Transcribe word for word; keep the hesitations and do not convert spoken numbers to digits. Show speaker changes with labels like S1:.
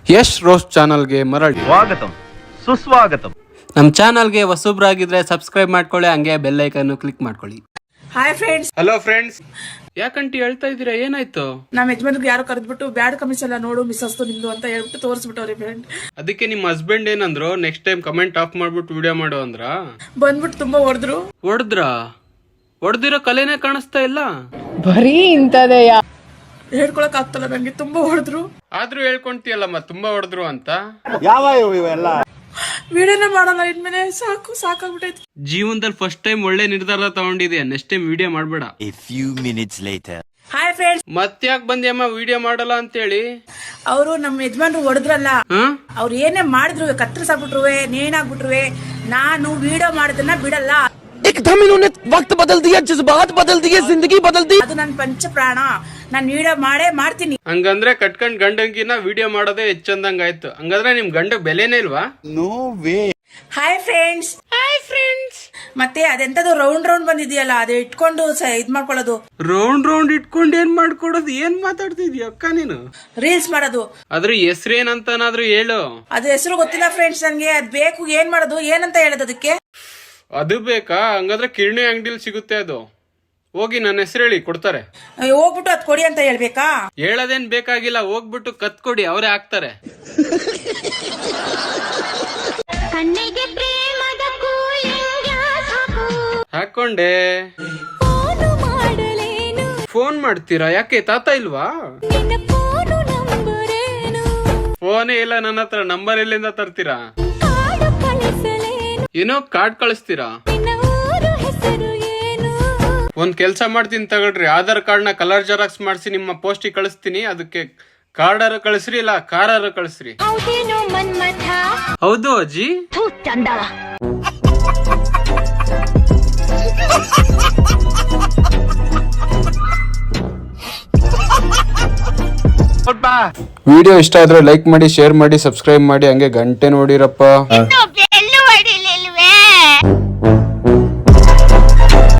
S1: Yash roast ಚಾನಲ್ಗೆ ಮರಳಿ
S2: ಸ್ವಾಗತಂ ಸುಸ್ವಾಗತಂ.
S1: ನಮ್ಮ ಚಾನಲ್ಗೆ ಹೊಸಬ್ರಾಗಿದ್ರೆ ಸಬ್ಸ್ಕ್ರೈಬ್ ಮಾಡ್ಕೊಳ್ಳಿ, ಹಂಗೆ ಬೆಲ್ ಐಕನ್ ಕ್ಲಿಕ್ ಮಾಡ್ಕೊಳ್ಳಿ.
S3: Hi friends.
S1: ಹಲೋ ಫ್ರೆಂಡ್ಸ್, ಯಾಕಂಟಿ ಹೇಳ್ತಾ ಇದ್ದೀರಾ, ಏನಾಯ್ತು?
S3: ನಮ್ಮ ಯಜಮಾನ್ರಿಗೆ ಯಾರು ಕರೆದ್ಬಿಟ್ಟು ಬ್ಯಾಡ್ ಕಮಿಸ್ ಎಲ್ಲ ನೋಡು ಮಿಸ್ ಅಸ್ತು ನಿಂದು ಅಂತ ಹೇಳ್ಬಿಟ್ಟು ತೋರಿಸ್ಬಿಟ್ಟವ್ರಿ ಫ್ರೆಂಡ್.
S1: ಅದಕ್ಕೆ ನಿಮ್ಮ ಹಸ್ಬೆಂಡ್ ಏನಂದ್ರು, ನೆಕ್ಸ್ಟ್ ಟೈಮ್ ಕಮೆಂಟ್ ಆಫ್ ಮಾಡ್ಬಿಟ್ಟು ವಿಡಿಯೋ ಮಾಡು ಅಂದ್ರ?
S3: ಬಂದ್ಬಿಟ್ಟು ತುಂಬಾ ಹೊಡೆದ್ರು.
S1: ಹೊಡೆದ್ರ? ಹೊಡೆದಿರೋ ಕಲೆನೇ ಕಾಣಿಸ್ತಾ ಇಲ್ಲ.
S4: ಬರೀ ಇಂತದೆಯ
S3: ಹೇಳ್ಕೊಳಕ್ ಆಗ್ತಲ್ಲ ನಂಗೆ, ತುಂಬಾ ಹೊಡೆದ್ರು.
S1: ಆದ್ರೂ ಹೇಳ್ಕೊಂತೀಯಲ್ಲಮ್ಮ ತುಂಬಾ ಹೊಡೆದ್ರು ಅಂತ.
S2: ಯಾವ ಇವೆಲ್ಲ
S3: ವಿಡಿಯೋನೇ ಮಾಡಲ್ಲ ಇನ್ಮೇಲೆ, ಸಾಕು ಸಾಕಾಗ್ಬಿಟ್ಟೈತಿ.
S1: ಜೀವನದಲ್ಲಿ ಫಸ್ಟ್ ಟೈಮ್ ಒಳ್ಳೆ ನಿರ್ಧಾರ ತಗೊಂಡಿದ್ಯಾ, ನೆಕ್ಸ್ಟ್ ಟೈಮ್ ವಿಡಿಯೋ ಮಾಡ್ಬೇಡ.
S5: A few minutes later.
S3: Hi friends.
S1: ಮತ್ತ್ಯಾಕ್ ಬಂದ್ಯಮ್ಮ ವಿಡಿಯೋ ಮಾಡಲ್ಲ ಅಂತೇಳಿ?
S3: ಅವರು ನಮ್ಮ ಯಜಮಾನ್ರು ಹೊಡೆದ್ರಲ್ಲ,
S1: ಹಾ
S3: ಅವ್ರು ಏನೇ ಮಾಡಿದ್ರು, ಕತ್ತರಿಸಾಕ್ಬಿಟ್ರುವೆ, ನೇಣಾಗ್ಬಿಟ್ರುವೆ, ನಾನು ವಿಡಿಯೋ ಮಾಡೋದನ್ನ ಬಿಡಲ್ಲ.
S6: एकदम इन्होंने वक्त बदल दिया, जज्बात बदल दिए, जिंदगी बदल दी.
S3: ಅದು ನನ್ನ ಪಂಚ ಪ್ರಾಣ, ನಾನು ವಿಡಿಯೋ ಮಾಡೇ ಮಾಡ್ತೀನಿ.
S1: ಹಂಗಂದ್ರೆ ಕಟ್ಕೊಂಡ್ ಗಂಡಂಗಿನ ವಿಡಿಯೋ ಮಾಡೋದೇ ಹೆಚ್ಚಂದಂಗ ಆಯ್ತು. ಹಂಗಂದ್ರೆ ನಿಮ್ ಗಂಡ ಬೆಲೆನೇ ಇಲ್ವಾ?
S2: No way.
S3: Hi friends. Hi friends. ಮತ್ತೆ ಅದೆಂತದು ರೌಂಡ್ ರೌಂಡ್ ಬಂದಿದೆಯಲ್ಲ, ಅದೇ ಇಟ್ಕೊಂಡು ಸ- ಇದ್ ಮಾಡ್ಕೊಳ್ಳೋದು.
S1: ರೌಂಡ್ ರೌಂಡ್ ಇಟ್ಕೊಂಡ್ ಏನ್ ಮಾಡ್ಕೊಡೋದು? ಏನ್ ಮಾತಾಡ್ತಿದ್ಯ ಅಕ್ಕ ನೀನು?
S3: ರೀಲ್ಸ್ ಮಾಡೋದು.
S1: ಅದ್ರ ಹೆಸ್ರೇನಂತನಾದ್ರೂ ಹೇಳು.
S3: ಅದು ಹೆಸರು ಗೊತ್ತಿಲ್ಲ ಫ್ರೆಂಡ್ಸ್ ನನ್ಗೆ, ಅದ್ ಬೇಕು. ಏನ್ ಮಾಡೋದು, ಏನಂತ ಹೇಳೋದು ಅದಕ್ಕೆ?
S1: ಅದು ಬೇಕಾ? ಹಂಗಾದ್ರೆ ಕಿರಣಿ ಅಂಗಡಿಲಿ ಸಿಗುತ್ತೆ ಅದು. ಹೋಗಿ ನನ್ನ ಹೆಸರು ಹೇಳಿ ಕೊಡ್ತಾರೆ.
S3: ಅಯ್ಯೋ, ಹೋಗ್ಬಿಟ್ಟು ಅದ್ ಕೊಡಿ ಅಂತ ಹೇಳ್ಬೇಕಾ?
S1: ಹೇಳೋದೇನ್ ಬೇಕಾಗಿಲ್ಲ, ಹೋಗ್ಬಿಟ್ಟು ಕತ್ ಕೊಡಿ, ಅವರೇ ಹಾಕ್ತಾರೆ.
S7: ಕಣ್ಣಿಗೆ ಪ್ರೇಮದ ಕೂಲಿಂಗ ಸಾಕು,
S1: ಹಾಕೊಂಡೆ.
S7: ಫೋನು ಮಾಡಲೇನು,
S1: ಫೋನ್ ಮಾಡ್ತೀರಾ? ಯಾಕೆ ತಾತ ಇಲ್ವಾ?
S7: ನಿನ್ನ ಫೋನು ನಂಬರೇನು,
S1: ಫೋನೇ ಇಲ್ಲ ನನ್ನ ಹತ್ರ, ನಂಬರ್ ಎಲ್ಲಿಂದ ತರ್ತೀರಾ?
S7: ಕಾಡು ಕಳಿಸಲೇನು,
S1: ಏನೋ ಕಾರ್ಡ್ ಕಳಿಸ್ತೀರಾ?
S7: ನಿನ್ನ ಊರು ಹೆಸರು ಏನು?
S1: ಒಂದ್ ಕೆಲ್ಸ ಮಾಡ್ತೀನಿ ತಗೊಳ್ರಿ, ಆಧಾರ್ ಕಾರ್ಡ್ ನ ಕಲರ್ ಜೆರಾಕ್ಸ್ ಮಾಡಿಸಿ ನಿಮ್ಮ ಪೋಸ್ಟಿಗೆ ಕಳಿಸ್ತೀನಿ. ಅದಕ್ಕೆ ಕಾರ್ಡಾರ ಕಳಿಸ್ರಿ, ಇಲ್ಲ ಕಾರಾರ ಕಳಿಸ್ರಿ.
S7: ಹೌದೇನೋ ಮನ್ಮಥ,
S1: ಹೌದು ಅಜ್ಜಿ.
S7: ಥೂ ಚಂದವ.
S1: ವಿಡಿಯೋ ಇಷ್ಟ ಆದ್ರೆ ಲೈಕ್ ಮಾಡಿ, ಶೇರ್ ಮಾಡಿ, ಸಬ್ಸ್ಕ್ರೈಬ್ ಮಾಡಿ, ಹಂಗೆ ಗಂಟೆ ನೋಡಿರಪ್ಪ.